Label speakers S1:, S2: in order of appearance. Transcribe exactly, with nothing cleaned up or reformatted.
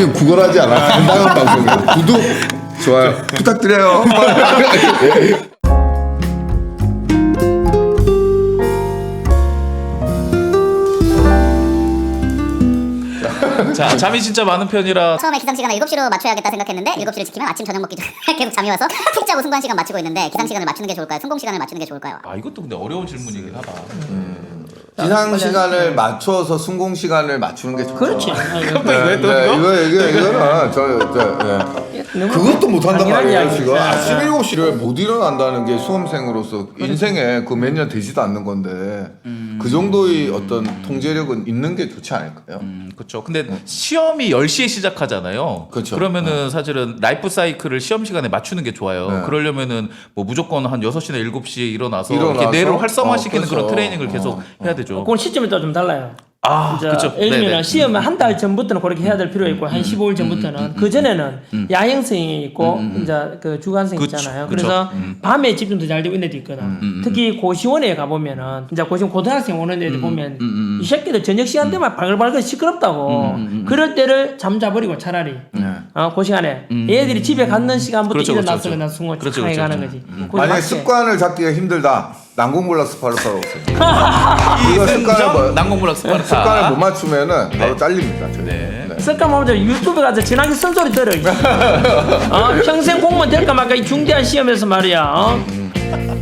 S1: 우리는 구걸하지 않아. 건강한 방송이야. 구독, 좋아요 부탁드려요.
S2: 자, 잠이 진짜 많은 편이라
S3: 처음에 기상시간을 일곱 시로 맞춰야겠다 생각했는데 일곱 시를 지키면 아침 저녁 먹기 전에 계속 잠이 와서 푹 자고 승관 시간 맞추고 있는데 기상시간을 맞추는 게 좋을까요? 성공 시간을 맞추는 게 좋을까요?
S2: 아 이것도 근데 어려운 질문이긴 하다.
S1: 기상 시간을 맞춰서 순공 시간을 맞추는 게 좋죠.
S4: 그렇지.
S1: 네, 네, 이거 이거 이거는 저저 네. 그것도 못 한단
S4: 당연한
S1: 말이에요.
S4: 이야기죠.
S1: 지금 아침 일곱 시를 못 일어난다는 게 수험생으로서 인생에 그 몇 년 되지도 않는 건데
S2: 음.
S1: 그 정도의 어떤 통제력은 있는 게 좋지 않을까요?
S2: 음, 그렇죠. 근데 시험이 열 시에 시작하잖아요.
S1: 그렇죠.
S2: 그러면은 사실은 라이프 사이클을 시험 시간에 맞추는 게 좋아요.
S1: 네.
S2: 그러려면은 뭐 무조건 한 여섯 시나 일곱 시에 일어나서,
S1: 일어나서?
S2: 이렇게 뇌를 활성화시키는
S1: 어,
S2: 그런
S1: 그렇죠.
S2: 트레이닝을 계속
S1: 어,
S2: 해야 되죠.
S4: 그건 시점에 따라 좀 달라요.
S2: 아,
S4: 이제
S2: 그렇죠.
S4: 예를 들면
S2: 네네.
S4: 시험 한 달 전부터는 그렇게 해야 될 필요가 있고 한 십오 일 전부터는 그 전에는 야행성이 있고 이제 그 주간성
S2: 그쵸,
S4: 있잖아요.
S2: 그쵸.
S4: 그래서 밤에 집중도 잘 되고 있는 애도 있거든. 특히 고시원에 가 보면은 이제 고시원 고등학생 오는 애들 보면 이 새끼들 저녁 시간 되면 발글발글 시끄럽다고. 그럴 때를 잠 자버리고 차라리 어, 그 시간에 얘들이 집에 갔는 시간부터
S2: 그렇죠,
S4: 일어나서
S2: 그렇죠.
S4: 그냥 순간
S2: 그렇죠,
S4: 차에
S2: 그렇죠,
S4: 가는
S2: 그렇죠.
S4: 거지. 거기
S1: 만약에
S4: 밖에.
S1: 습관을 잡기가 힘들다. 난공불락 스파르타로 오세요. 이거 습관을 뭐,
S2: 난공불락 스파르타.
S1: 습관을 못 맞추면은 바로 잘립니다. 저희.
S2: 네.
S1: 네.
S4: 습관 보면 유튜브 가서 지나기 쓴소리 들어. 어, 평생 공무원 될까 말까 이 중대한 시험에서 말이야. 어?